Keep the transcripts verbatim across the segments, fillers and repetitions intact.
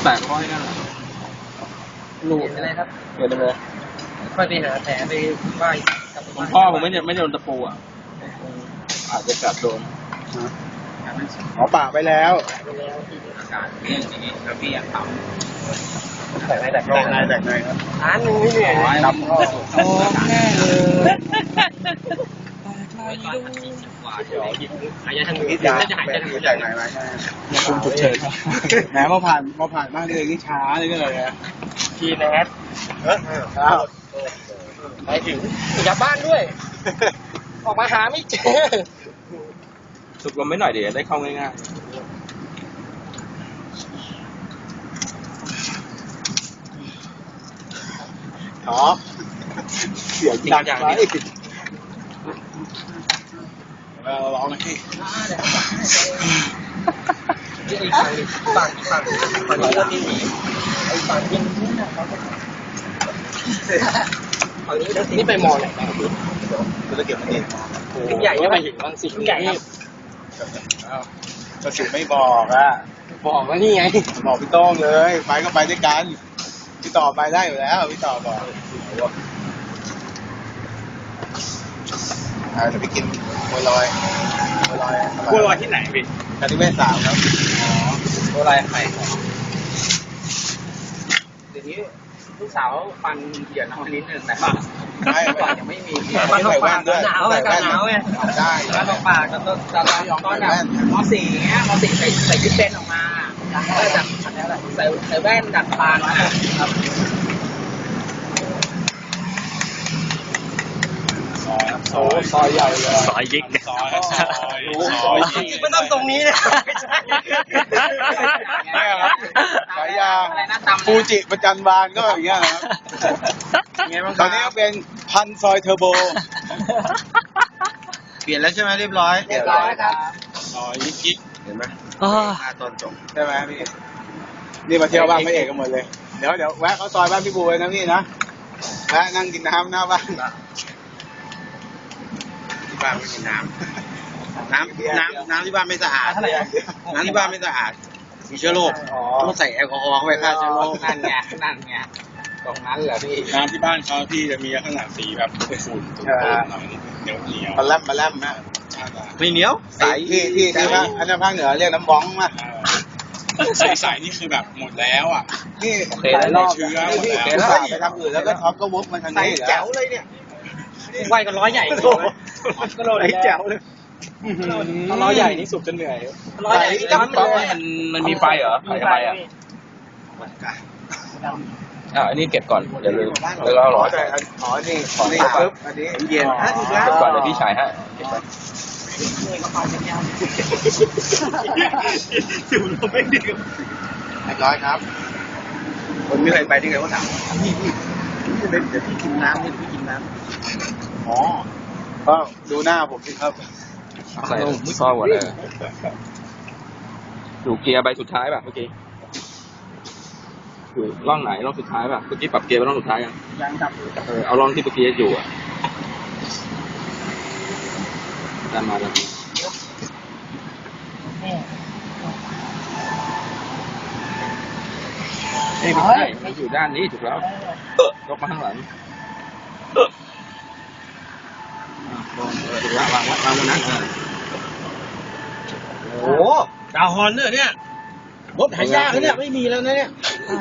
แตกร้อยนั่นแหละรูดอะไรครับเดี๋ยวไปเลยค่อยไปหาแผลไปไหว้ผมพ่อผมไม่เนี่ยไม่โดนตะปูอ่ะอาจจะกัดโดนอ๋อปะไปแล้วไปแล้วที่อาการอย่างนี้แล้วพี่อยากทำแตกในแตกในแตกในครับร้านนึงนี่เนี่ยดำก็โอ้แน่เลยตอนพันสี่สิบกว่าเดี๋ยวหายใจทางนี้น่าจะหายใจทางนี้แตกไหนไหมคุมฉุกเฉินแหมมาผ่านมาผ่านมากเลยนี่ช้าเลยก็เลยอะทีแนทเออไปถึงกลับบ้านด้วยออกมาหาไม่เจอสุกลมไม่หน่อยเดี๋ยวได้เข้าง่ายๆอ๋อเสียงดังอย่างนี้เราร้องให้ไอ้ฝั่งฝั่งฝั่งฝั่งนี้ก็ที่หนีไอ้ฝั่งยังนี่นะฝั่งนี้นี่ไปมอไหนบ้างคุณจะเก็บมันเองใหญ่ก็ไปถึงบางสิ่งใหญ่ครับก็สิไม่บอกอ่ะบอกว่านี่ไงบอกพี่โต้งเลยไปก็ไปด้วยกันพี่ต่อไปได้อยู่แล้วพี่ต่อบอกอ่าจะไปกินบัวลอยบัวลอยบัวลอยที่ไหนพี่คาริเวศสามครับอ๋อบัวลอยไข่เดี๋ยวนี้ลูกสาวฟันเหยียดน้องนิดนึงแต่ว่าก่อนยังไม่มีฟันตกปากหนาวเลยกันหนาวไงได้ฟันตกปากก็ต้องตอนตอนแบบมอสี่เงี้ยมอสี่ใส่ใส่ชุดเป็นออกมาก็จะใส่ใส่แว่นดัดปากนะครับซอยซอยใหญ่เลยซอยยิกซอยซอยจริงๆไม่ต้องตรงนี้นะไม่ครับฉายาฟูจิประจันบานก็อย่างเงี้ยนะครับตอนนี้ก็เป็นพันซอยเทอร์โบเปลี่ยนแล้วใช่ไหมเรียบร้อยเรียบร้อยครับซอยยิกยิกเห็นไหมมาตอนจบใช่ไหมพี่นี่มาเที่ยวบ้านพระเอกกันหมดเลยเดี๋ยวเดี๋ยวแวะเขาซอยบ้านพี่บูเลยนะพี่นะแวะนั่งกินน้ำหน้าบ้านที่บ้านไม่มีน้ำน้ำน้ำน้ำที่บ้านไม่สะอาดน้ำที่บ้านไม่สะอาดมีเชื้อโรคต้องใส่แอลกอฮอล์เข้าไปฆ่าเชื้อโรคนั่นไงนั่นไงตรงนั้นเหรอพี่น้ำที่บ้านเขาพี่จะมีลักษณะสีแบบขุ่นตุ่นๆหน่อยเหนียวเหนียวมาล่ำมาล่ำนะไม่เหนียวใสที่ที่ที่ภาคอันนั้นภาคเหนือเรียกน้ำบ้องมาใสๆนี่คือแบบหมดแล้วอ่ะนี่หลายรอบเชื้อหมดแล้วไปทำอื่นแล้วก็ท็อปก็วุ้บมันทางนี้แจ๋วเลยเนี่ยไหวกันร้อยใหญ่ก็โลเลยแจ๋วเลยร้อยใหญ่นี่สุกจนเหนื่อยร้อยใหญ่นี่มันมันมันมีไฟเหรอมีไฟอ่ะอ่าอันนี้เก็บก่อนเดี๋ยวลืมแล้วเราร้อยอ๋อนี่นี่ปึ๊บอันนี้เย็นเก็บก่อนเดี๋ยวพี่ชายฮะจุ่มลงไปดิเรียบร้อยครับคนไม่เคยไปที่ไหนก็ถามพี่พี่พี่เดี๋ยวพี่กินน้ำนี่พี่กินน้ำอ๋อก็ดูหน้าผมสิครับใส่ซอสหมดเลยดูเกียร์ใบสุดท้ายป่ะเมื่อกี้อยู่ร่องไหนร่องสุดท้ายป่ะเมื่อกี้ปรับเกียร์ไปร่องสุดท้ายยังยังครับเออเอาร่องที่เมื่อกี้อยู่อ่ะตามมาแล้วนี่ไม่ใช่ไม่อยู่ด้านนี้ถูกแล้วยกมาข้างหลังถูกแล้ววางวางบนนั้นโอ้ดาวฮอนเนี่ยเนี่ยรถหายากเนี่ยไม่มีแล้วนะเนี่ย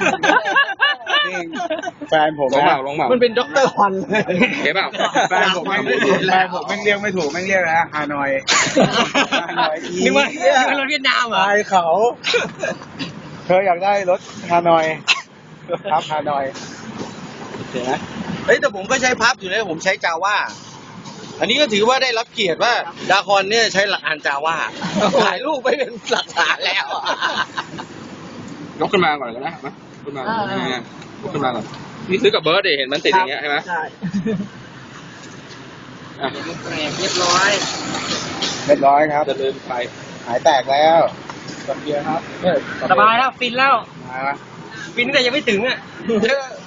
แฟนผมลงมาลงมามันเป็นด็อกเตอร์ฮอนเห็นเปล่าแฟนผมไม่แฟนผมไม่เรียกไม่ถูกไม่เรียกนะฮานอยฮานอยนี่ว่ารถเวียดนามเหรอไอเขาเธออยากได้รถฮานอยครับฮานอยเห็นไหมเฮ้ยแต่ผมก็ใช้พับอยู่นะผมใช้จาว่าอันนี้ก็ถือว่าได้รับเกียรติว่าดาคอนเนี่ยใช้หลักฐานจาว่าถ่ายรูปไปเป็นหลักฐานแล้วยกขึ้นมาก่อนนะมาขึ้นมาๆยกขึ้นมาก่อนนี่ซื้อกับเบิร์ดเห็นมันติดอย่างเงี้ยใช่ไหมใช่เรียบร้อยเรียบร้อยครับจะลืมไปหายแตกแล้วกับเบียร์ครับสบายแล้วฟินแล้วฟินแต่ยังไม่ถึงอ่ะ